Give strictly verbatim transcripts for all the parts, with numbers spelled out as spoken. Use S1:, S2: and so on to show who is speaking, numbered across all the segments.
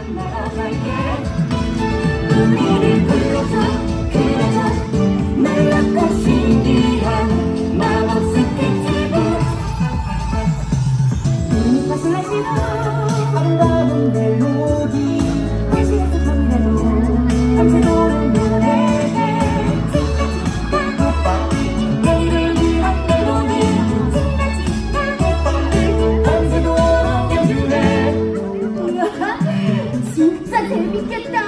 S1: 날아갈게. 우리를 불러줘 그려줘 놀랍고 신기한 마법 스케치북. 눈밭을 하시고 아름다운 멜로디 날씨에서 밤이라도 밤새도록 노래해. 내일을 위한 멜로디 밤새도록 연주해.
S2: 진짜 재밌겠다.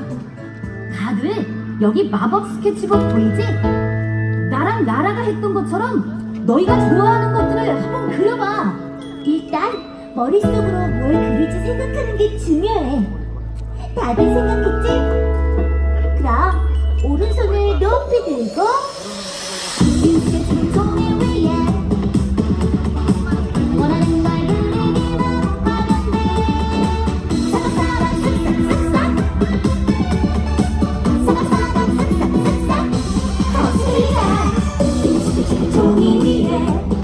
S2: 다들 여기 마법 스케치북 보이지? 나랑 나라가 했던 것처럼 너희가 좋아하는 것들을 한번 그려봐.
S3: 일단 머릿속으로 뭘 그릴지 생각하는 게 중요해. 다들 생각했지? 그럼 오른손을 높이 들고 이 스케치북 종이 위에 원하는 걸 그리기만 하면 돼. 사각사각 쓱싹쓱싹 사각사각 쓱싹쓱싹 거칠다. 이 스케치북 종이 위에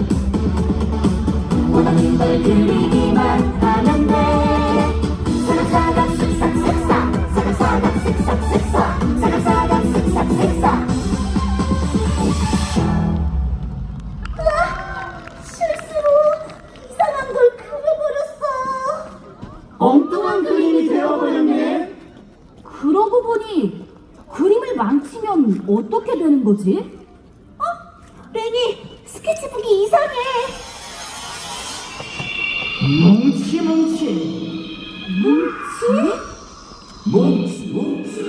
S3: 원하는 걸 그리기만 하면 돼. 사각사각 쓱싹쓱싹 사각사각 쓱싹쓱싹 사각사각 쓱싹쓱싹. 으아! 실수로 이상한 걸 그려버렸어.
S1: 엉뚱한 그림이 되어버렸네.
S2: 그러고 보니 그림을 망치면 어떻게 되는 거지?
S3: 어? 레니, 스케치북이 이상해.
S1: 뭉치 뭉치
S2: 뭉치?
S1: 뭉치 뭉치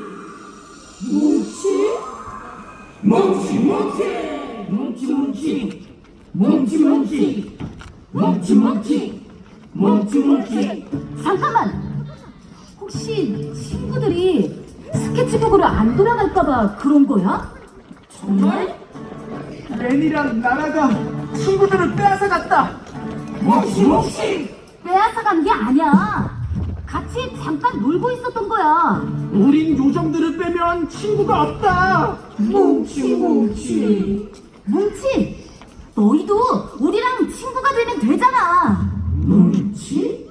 S1: 뭉치 뭉치 뭉치 뭉치 뭉치 뭉치 뭉치 뭉치 뭉치 뭉치 뭉치.
S2: 잠깐만! 혹시 친구들이 스케치북으로 안 돌아갈까봐 그런 거야?
S1: 정말? 렌이랑 나라가 친구들을 빼앗아갔다. 뭉치 뭉치.
S2: 빼앗아간 게 아니야. 같이 잠깐 놀고 있었던 거야.
S1: 우린 요정들을 빼면 친구가 없다. 뭉치 뭉치
S2: 뭉치! 너희도 우리랑 친구가 되면 되잖아.
S1: 뭉치.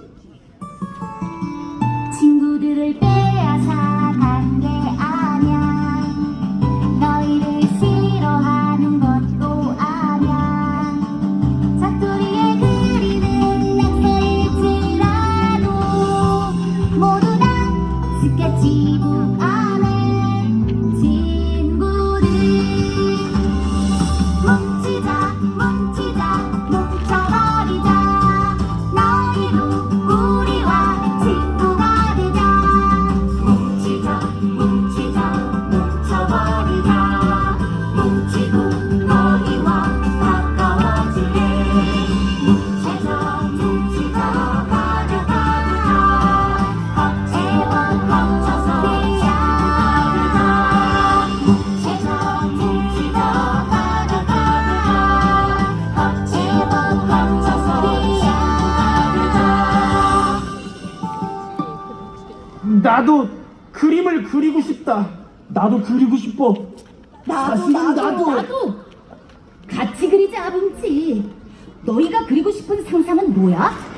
S3: 친구들을 빼앗아간 게 아냐. 너희를 싫어하는 것도 아냐. 사투리에 그리는 낙서일지라도 모두 다 스케치북 안에 친구들. 뭉치자 뭉치자 뭉쳐버리자. 너희도 우리와 친구가 되자. 뭉치자 뭉치자 뭉쳐버리자. 뭉치고 너희와 가까워질래. 뭉쳐서 뭉치자 가려가보자. 겉에와 뭉쳐서 친구가 되자. 뭉쳐서 뭉치자 가려가보자. 겉에와 뭉쳐서 친구가 되자.
S1: 나도 그림을 그리고 싶다. 나도 그리고 싶어. 사실은 나도.
S2: 나도! 같이 그리자, 뭉치. 너희가 그리고 싶은 상상은 뭐야?